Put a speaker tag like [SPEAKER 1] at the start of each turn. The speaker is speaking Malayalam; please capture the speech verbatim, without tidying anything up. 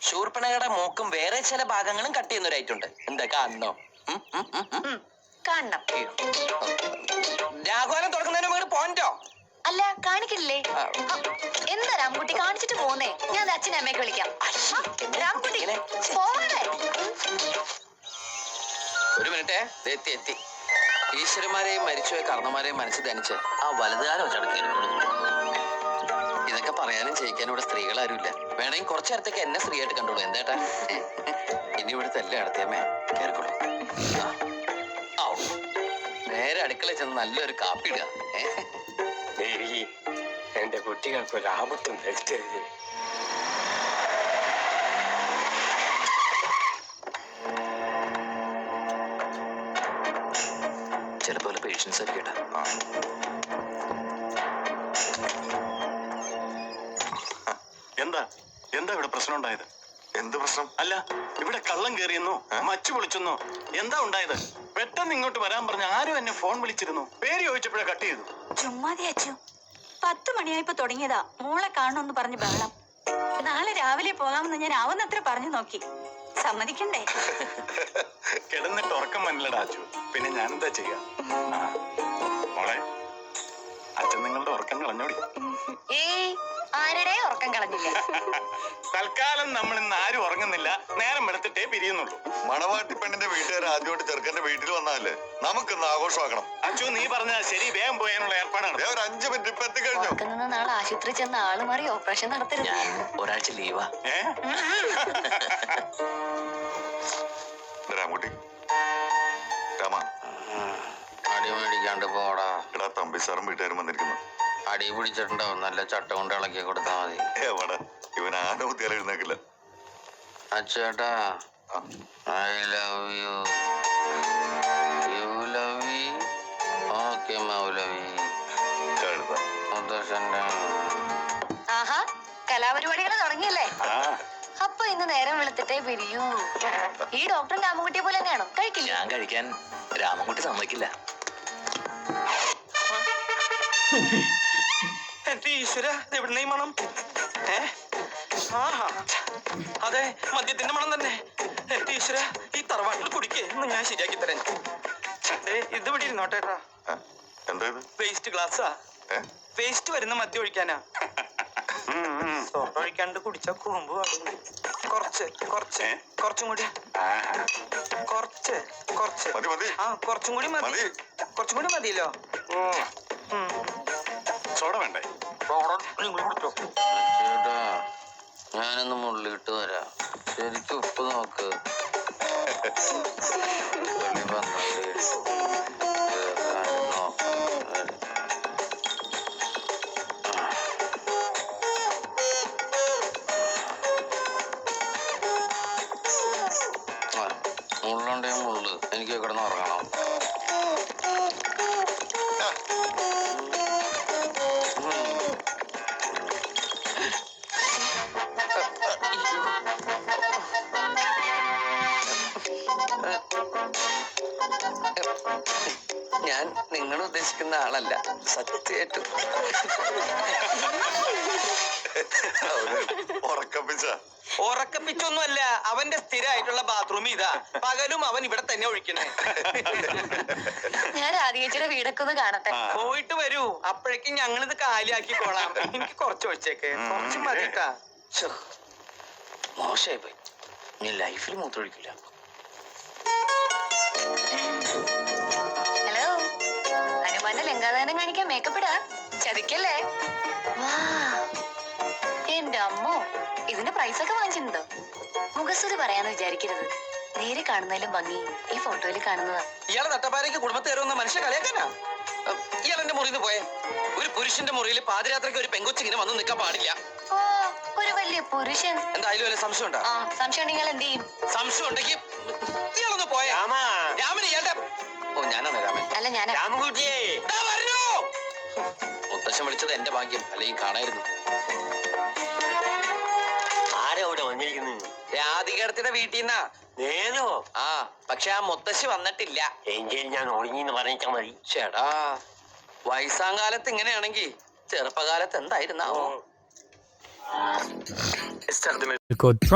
[SPEAKER 1] ശൂർപ്പണകയുടെ മൂക്കും വേറെ ചില ഭാഗങ്ങളും കട്ട് ചെയ്യുന്നവരായിട്ടുണ്ട്. എന്താ കാണണോ?
[SPEAKER 2] കാണണം.
[SPEAKER 1] രാഘവനം തുറക്കുന്നതിന് മുമ്പ് പോയിന്റോ?
[SPEAKER 2] അല്ല, കാണിക്കില്ലേ? എന്താ രാംകുട്ടി കാണിച്ചിട്ട് പോന്നേ? ഞാൻ അച്ഛനെ അമ്മയൊക്കെ വിളിക്കാം. രാംകുട്ടി പോവണേ.
[SPEAKER 1] ഒരു മിനിറ്റേ, എത്തി എത്തി. ഈശ്വരന്മാരെയും മരിച്ചുപോയ കർണന്മാരെയും മനസ്സിൽ ധനിച്ച് ആ വലതുകാലം ചടക്കിയിരിക്കുന്നു. ഇതൊക്കെ പറയാനും ചെയ്യിക്കാനും ഇവിടെ സ്ത്രീകൾ ആരുമില്ല. വേണമെങ്കിൽ കുറച്ചു നേരത്തേക്ക് എന്നെ സ്ത്രീയായിട്ട് കണ്ടോളൂ. എന്തേട്ടാ, ഇനി ഇവിടുത്തെ എല്ലാം അടുത്തേമേ കേൾക്കുള്ളൂ. നേരെ അടുക്കളയിൽ ചെന്ന് നല്ലൊരു കാപ്പി ഇടുക.
[SPEAKER 3] ദേവി, എന്റെ കുട്ടികൾക്ക് ഒരു ആപത്തും വരുത്തരുത്.
[SPEAKER 1] ചിലപ്പോ പേഷ്യൻസ് ഒക്കെ കേട്ടാ.
[SPEAKER 4] എന്താ എന്താ ഇവിടെ പ്രശ്നം ഉണ്ടായത്?
[SPEAKER 5] എന്ത് പ്രശ്നം?
[SPEAKER 4] അല്ല, ഇവിടെ കള്ളം കയറിയെന്നോ മച്ചു പൊളിച്ചെന്നോ എന്താ ഉണ്ടായത്? പെട്ടെന്ന് ഇങ്ങോട്ട് വരാൻ പറഞ്ഞ ആരും എന്നെ ഫോൺ വിളിച്ചിരുന്നു. പേര് ചോദിച്ചപ്പോഴേ കട്ട് ചെയ്തു.
[SPEAKER 6] ചുമ്മാതി അച്ചു, പത്ത് മണിയായപ്പോ തുടങ്ങിയതാ മോളെ കാണണമെന്ന് പറഞ്ഞ് ബഹളം. നാളെ രാവിലെ പോകാമെന്ന് ഞാൻ ആവുന്നത്ര പറഞ്ഞു നോക്കി, സമ്മതിക്കണ്ടേ?
[SPEAKER 4] കിടന്നിട്ട് ഉറക്കം വന്നില്ലടാ അച്ചു. പിന്നെ ഞാനെന്താ ചെയ്യാ? മോളെ, അച്ഛൻ നിങ്ങളുടെ ഉറക്കം കളഞ്ഞോടി.
[SPEAKER 2] ഏയ്, ആരുടെ ഉറക്കം കളഞ്ഞില്ല.
[SPEAKER 4] തൽക്കാലം നമ്മൾ ഇന്ന് ആരും ഉറങ്ങുന്നില്ല. നേരം വെളുത്തിട്ടേ പിരിയുന്നുള്ളൂ.
[SPEAKER 5] മണവാട്ടി പെണ്ണിന്റെ വീട്ടുകാർ ആദ്യമായിട്ട് ചെറുക്കന്റെ വീട്ടിൽ വന്നാലേ നമുക്കിന്ന് ആഘോഷമാക്കണം.
[SPEAKER 4] അച്ചു, നീ പറഞ്ഞാ ശരി. വേഗം പോയാനുള്ള ഏർപ്പാടാണ്.
[SPEAKER 5] ഒരു അഞ്ചു മിനിറ്റ് ഇപ്പൊ എത്തിക്കഴിഞ്ഞു.
[SPEAKER 2] നിന്ന് നാളെ ആശുപത്രി ചെന്ന് ആള് മാറി ഓപ്പറേഷൻ നടത്തരുത്.
[SPEAKER 1] ഒരാഴ്ച ലീവാ.
[SPEAKER 4] ഏ
[SPEAKER 5] രാമകുട്ടി, രാമ,
[SPEAKER 1] അടി മേടിക്കാണ്ട് പോടാ.
[SPEAKER 5] എടാ, തമ്പി സാറും വീട്ടുകാരും വന്നിരിക്കുന്നു.
[SPEAKER 1] അടി പിടിച്ചിട്ടുണ്ടാവും. നല്ല ചട്ട കൊണ്ട് ഇളക്കി കൊടുത്താ മതി.
[SPEAKER 5] എവിടെ ഇവൻ ആന കുത്തിയാൽ എഴുന്നേക്കില്ല.
[SPEAKER 1] അച്ചേട്ടാ, I love you. You love me? Okay മൗലവി.
[SPEAKER 5] കഴുത
[SPEAKER 1] മുത്തശ്ശന്റെ
[SPEAKER 2] ആഹാ, കലാപരിപാടികൾ തുടങ്ങിയല്ലേ?
[SPEAKER 4] ആ
[SPEAKER 2] അപ്പൊ ഇന്ന് നേരം വെളുത്തിട്ടേ പിരിയൂ. ഈ ഡോക്ടർ രാമൻകുട്ടിയെ പോലെ തന്നെയാണോ? കഴിക്കില്ല.
[SPEAKER 1] ഞാൻ കഴിക്കാൻ രാമൻകുട്ടി സമ്മതിക്കില്ല. എന്റെ ഈശ്വര, എവിടുന്ന ഈ മണം? ഏ ആഹാ, അതെ, മദ്യത്തിന്റെ മണം തന്നെ. എന്റെ ഈശ്വര, ഈ തറവാട്ടിൽ കുടിക്കേ എന്ന് ഞാൻ ശരിയാക്കി തരാൻ. ഇത് ഇവിടെ ഇരുന്നോട്ടേട്ടാ.
[SPEAKER 5] എന്താ ഇത്?
[SPEAKER 1] വേസ്റ്റ് ഗ്ലാസ്സാ. വേസ്റ്റ് വരുന്ന മദ്യം ഒഴിക്കാനാ. സോഡ ഒഴിക്കാണ്ട് കുടിച്ച കുറുമ്പ് പാടുന്നു. കുറച്ച് കുറച്ച് കുറച്ചും കൂടി. കുറച്ച് കുറച്ച്
[SPEAKER 5] മതി മതി.
[SPEAKER 1] ആ, കുറച്ചും കൂടി മതി. കുറച്ചും കൂടി മതിയല്ലോ.
[SPEAKER 4] സോഡ വേണ്ടേ?
[SPEAKER 1] ഞാനൊന്ന് മുള്ളിട്ട് വരാം. ശരിക്കും ഉപ്പ് നോക്ക്. മുള്ളുണ്ടേ മുള്ളു. എനിക്ക് കിടന്ന് ഉറങ്ങണം. ഞാൻ നിങ്ങൾ ഉദ്ദേശിക്കുന്ന ആളല്ല, സത്യമായിട്ടും.
[SPEAKER 5] ഉറക്കപ്പിച്ച
[SPEAKER 1] ഉറക്കപ്പിച്ചൊന്നുമല്ല, അവന്റെ സ്ഥിരമായിട്ടുള്ള ബാത്റൂം ഇതാ. പകലും അവൻ ഇവിടെ തന്നെ ഒഴിക്കണേ.
[SPEAKER 2] ഞാൻ രാധികച്ചിയുടെ വീടൊക്കെ ഒന്ന് കാണട്ടെ.
[SPEAKER 1] പോയിട്ട് വരൂ, അപ്പോഴേക്കും ഞങ്ങളിത് കാലിയാക്കിക്കോളാം. എനിക്ക് കുറച്ച് ഒഴിച്ചേക്ക്, കുറച്ച് മതിട്ടാ. മോശമായി പോയി. നീ ലൈഫിൽ മൂത്തൊഴിക്കില്ല.
[SPEAKER 2] ഹലോ, ഹനുമാന്റെ ലങ്കാദാനം കാണിക്കാൻ മേക്കപ്പ് ഇടാ. ചതിക്കല്ലേ? എന്റെ അമ്മോ, ഇതിന്റെ പ്രൈസ് ഒക്കെ വാങ്ങിച്ചിട്ടുണ്ടോ? മുഖസ്തുതി പറയാന്ന് വിചാരിക്കരുത്. നേരെ കാണുന്നതിലും ഭംഗി ഈ ഫോട്ടോയിൽ കാണുന്നതാ.
[SPEAKER 1] ഇയാളെ തട്ടപ്പാരയ്ക്ക് കുടുംബത്തെ കയറുന്ന മനുഷ്യ കളിയാക്കാനാ. ഇയാൾ എന്റെ മുറിയിൽ നിന്ന് പോയെ. ഒരു പുരുഷന്റെ മുറിയിൽ പാതിരാത്രിക്ക് ഒരു പെങ്കൊച്ചിങ്ങനെ വന്ന് നിൽക്കാൻ പാടില്ല.
[SPEAKER 2] ഓ, ഒരു വലിയ പുരുഷൻ.
[SPEAKER 1] എന്തായാലും വല്ല സംശയം ഉണ്ടോ?
[SPEAKER 2] ആ, സംശയം ഉണ്ടെങ്കിൽ എന്ത് ചെയ്യും?
[SPEAKER 1] സംശയം ഉണ്ടെങ്കിൽ ഇയാളൊന്ന് പോയെ. രാമൻ ഇയാളുടെ ഓ ഞാനാണ് രാമൻ.
[SPEAKER 2] അല്ല, ഞാൻ
[SPEAKER 3] രാമൻകുട്ടിയെ
[SPEAKER 1] മുത്തശ്ശൻ വിളിച്ചത് എന്റെ ഭാഗ്യം, അല്ലെങ്കിൽ കാണായിരുന്നു.
[SPEAKER 3] ആരാ ഇവിടെ വന്നിരിക്കുന്നു?
[SPEAKER 1] രാധികടത്തിന്റെ വീട്ടിൽ നിന്നാ.
[SPEAKER 3] നേരോ?
[SPEAKER 1] ആ, പക്ഷെ ആ മുത്തശ്ശി വന്നിട്ടില്ല.
[SPEAKER 3] എങ്കിൽ ഞാൻ ഒളിഞ്ഞിന്ന് പറഞ്ഞാ മതി.
[SPEAKER 1] ചേടാ, വയസ്സാങ്കാലത്ത് ഇങ്ങനെയാണെങ്കിൽ ചെറുപ്പകാലത്ത് എന്തായിരുന്നാവോ?